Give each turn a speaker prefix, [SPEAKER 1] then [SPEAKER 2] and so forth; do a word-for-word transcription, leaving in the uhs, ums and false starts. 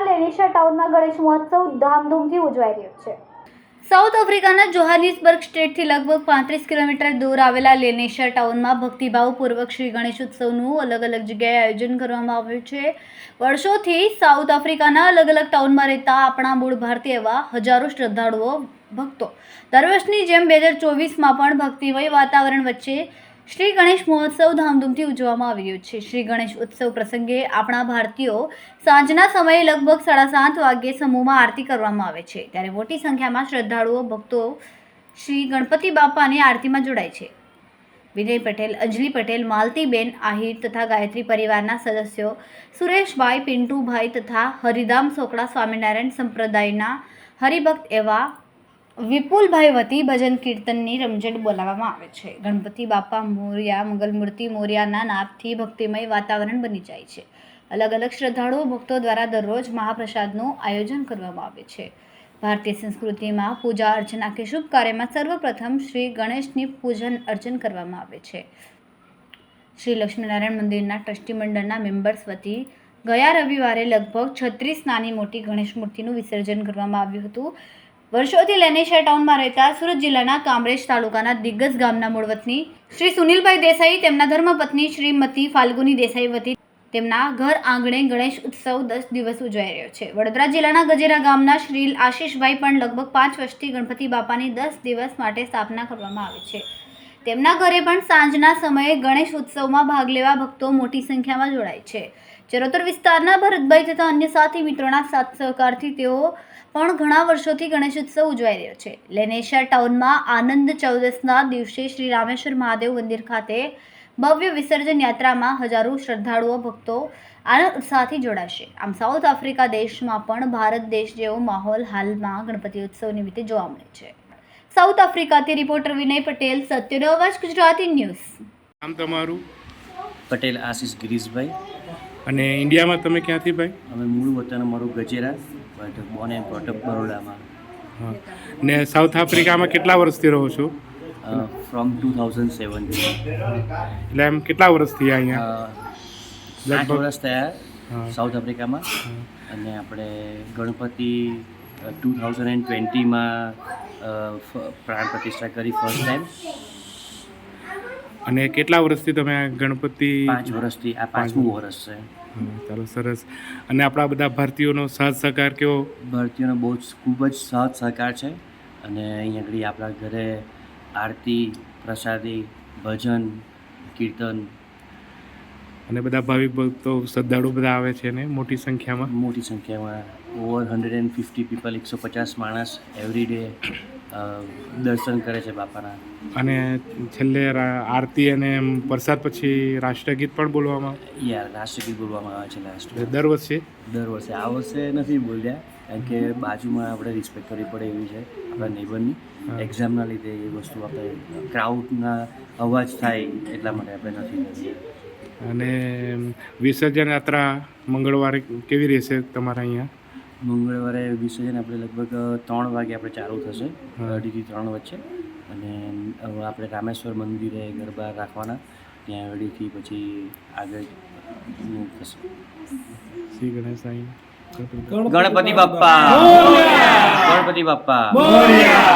[SPEAKER 1] લેનિશા ટાઉનમાં ગણેશ મહોત્સવ ધામધૂમથી ઉજવાઈ રહ્યો છે।
[SPEAKER 2] સાઉથ આફ્રિકાના જોહાનિસબર્ગ સ્ટેટથી લગભગ પાંત્રીસ કિલોમીટર દૂર આવેલા લેનિશા ટાઉનમાં ભક્તિભાવપૂર્વક શ્રી ગણેશ ઉત્સવનું અલગ અલગ જગ્યાએ આયોજન કરવામાં આવ્યું છે। વર્ષોથી સાઉથ આફ્રિકાના અલગ અલગ ટાઉનમાં રહેતા આપણા મૂળ ભારતીય એવા હજારો શ્રદ્ધાળુઓ ભક્તો દર વર્ષની જેમ બે હજાર ચોવીસમાં પણ ભક્તિમય વાતાવરણ વચ્ચે શ્રી ગણેશ મહોત્સવ ધામધૂમથી ઉજવવામાં આવી રહ્યો છે। શ્રી ગણેશ ઉત્સવ પ્રસંગે આપણા ભારતીયો સાંજના સમયે લગભગ સાડા સાત વાગ્યે સમૂહમાં આરતી કરવામાં આવે છે, ત્યારે મોટી સંખ્યામાં શ્રદ્ધાળુઓ ભક્તો શ્રી ગણપતિ બાપાની આરતીમાં જોડાય છે। વિજય પટેલ, અંજલિ પટેલ, માલતીબેન આહિર તથા ગાયત્રી પરિવારના સદસ્યો સુરેશભાઈ, પિન્ટુભાઈ તથા હરિધામ સોકડા સ્વામિનારાયણ સંપ્રદાયના હરિભક્ત એવા વિપુલભાઈ વતી ભજન કીર્તનની રમઝટ બોલાવવામાં આવે છે। ગણપતિ બાપા મોર્યા, મંગલમૂર્તિ મોર્યાના નાદથી ભક્તિમય વાતાવરણ બની જાય છે। અલગ અલગ શ્રદ્ધાળુઓ ભક્તો દ્વારા દરરોજ મહાપ્રસાદનું આયોજન કરવામાં આવે છે। ભારતીય સંસ્કૃતિમાં પૂજા અર્ચના કે શુભ કાર્યમાં સર્વપ્રથમ શ્રી ગણેશની પૂજન અર્ચન કરવામાં આવે છે। શ્રી લક્ષ્મીનારાયણ મંદિરના ટ્રસ્ટી મંડળના મેમ્બર્સ વતી ગયા રવિવારે લગભગ છત્રીસ નાની મોટી ગણેશ મૂર્તિનું વિસર્જન કરવામાં આવ્યું હતું। વર્ષોથી લેનિશા ટાઉનમાં રહેતા સુરત જિલ્લાના કામરેજ તાલુકાના દિગ્ગજ ગામના મૂળ વતની શ્રી સુનિલભાઈ દેસાઈ તેમના ધર્મપત્ની શ્રીમતી ફાલ્ગુની દેસાઈ વતી તેમના ઘર આંગણે ગણેશ ઉત્સવ દસ દિવસ ઉજવાઈ રહ્યો છે। વડોદરા જિલ્લાના ગજેરા ગામના શ્રી આશીષભાઈ પણ લગભગ પાંચ વર્ષથી ગણપતિ બાપાની દસ દિવસ માટે સ્થાપના કરવામાં આવે છે। તેમના ઘરે પણ સાંજના સમયે ગણેશ ઉત્સવમાં ભાગ લેવા ભક્તો મોટી સંખ્યામાં જોડાય છે। ચરોતર વિસ્તારના ભરતભાઈ તથા અન્ય સાથી મિત્રોના સાથ સહકારથી તેઓ પણ ઘણા વર્ષોથી ગણેશ ઉત્સવ ઉજવાઈ રહ્યો છે। લેનિશા ટાઉનમાં આનંદ ચૌદસના દિવસે શ્રી રામેશ્વર મહાદેવ મંદિર ખાતે ભવ્ય વિસર્જન યાત્રામાં હજારો શ્રદ્ધાળુઓ ભક્તો આનંદ ઉત્સાહથી જોડાશે। આમ સાઉથ આફ્રિકા દેશમાં પણ ભારત દેશ જેવો માહોલ હાલમાં ગણપતિ ઉત્સવ નિમિત્તે જોવા મળે છે। સાઉથ આફ્રિકાથી રિપોર્ટર વિનય પટેલ, સત્યનો અવાજ ગુજરાતી ન્યૂઝ।
[SPEAKER 3] આમ તમારું?
[SPEAKER 4] પટેલ આશીષ ગિરીશભાઈ।
[SPEAKER 3] અને ઇન્ડિયામાં તમે ક્યાંથી ભાઈ?
[SPEAKER 4] અમે મૂળ વતન અમારું Gajera, but born and brought up બરોડામાં।
[SPEAKER 3] હા, ને સાઉથ આફ્રિકામાં કેટલા વર્ષથી રહો છો?
[SPEAKER 4] From two thousand seventeen.
[SPEAKER 3] એટલે એમ કેટલા વર્ષ થયા અહીંયા?
[SPEAKER 4] આઠ વર્ષ થયા સાઉથ આફ્રિકામાં। અને આપણે ગણપતિ ટુ થાઉઝન્ડ એન્ડ ટ્વેન્ટીમાં પ્રાણ પ્રતિષ્ઠા કરી ફર્સ્ટ ટાઈમ।
[SPEAKER 3] અને કેટલા વર્ષથી તમે આ ગણપતિ?
[SPEAKER 4] પાંચ વર્ષથી, આ પાંચમું વર્ષ છે।
[SPEAKER 3] ચાલો, સરસ। અને આપણા બધા ભારતીયોનો સાથ સહકાર કેવો?
[SPEAKER 4] ભારતીયોનો બહુ જ ખૂબ જ સાથ સહકાર છે। અને અહીંયા આગળ આપણા ઘરે આરતી, પ્રસાદી, ભજન, કીર્તન
[SPEAKER 3] અને બધા ભાવિક ભક્તો શ્રદ્ધાળુ બધા આવે છે ને મોટી સંખ્યામાં?
[SPEAKER 4] મોટી સંખ્યામાં over hundred and fifty people, એકસો પચાસ માણસ એવરી ડે દર્શન કરે છે બાપાના।
[SPEAKER 3] અને છેલ્લે આરતી અને પ્રસાદ પછી રાષ્ટ્રગીત પણ બોલવામાં?
[SPEAKER 4] યાર, રાષ્ટ્રગીત બોલવામાં આવે છે લાસ્ટ
[SPEAKER 3] દર વર્ષે?
[SPEAKER 4] દર વર્ષે। આ વર્ષે નથી બોલ્યા, કારણ કે બાજુમાં આપણે રિસ્પેક્ટ કરવી પડે એવી છે આપણા નેબરની। એક્ઝામના લીધે એ વસ્તુ આપણે ક્રાઉડના અવાજ થાય એટલા માટે આપણે નથી કરીએ।
[SPEAKER 3] અને વિસર્જન યાત્રા મંગળવારે કેવી રહેશે તમારા અહીંયા?
[SPEAKER 4] મંગળવારે વિસર્જન આપણે લગભગ ત્રણ વાગે આપણે ચાલુ થશે, અઢીથી ત્રણ વચ્ચે। અને હવે આપણે રામેશ્વર મંદિરે ગરબા રાખવાના, ત્યાં અઢીથી પછી આગળ થશે।
[SPEAKER 3] શ્રી ગણેશ
[SPEAKER 4] ગણપતિ બાપ્પા, ગણપતિ બાપ્પા।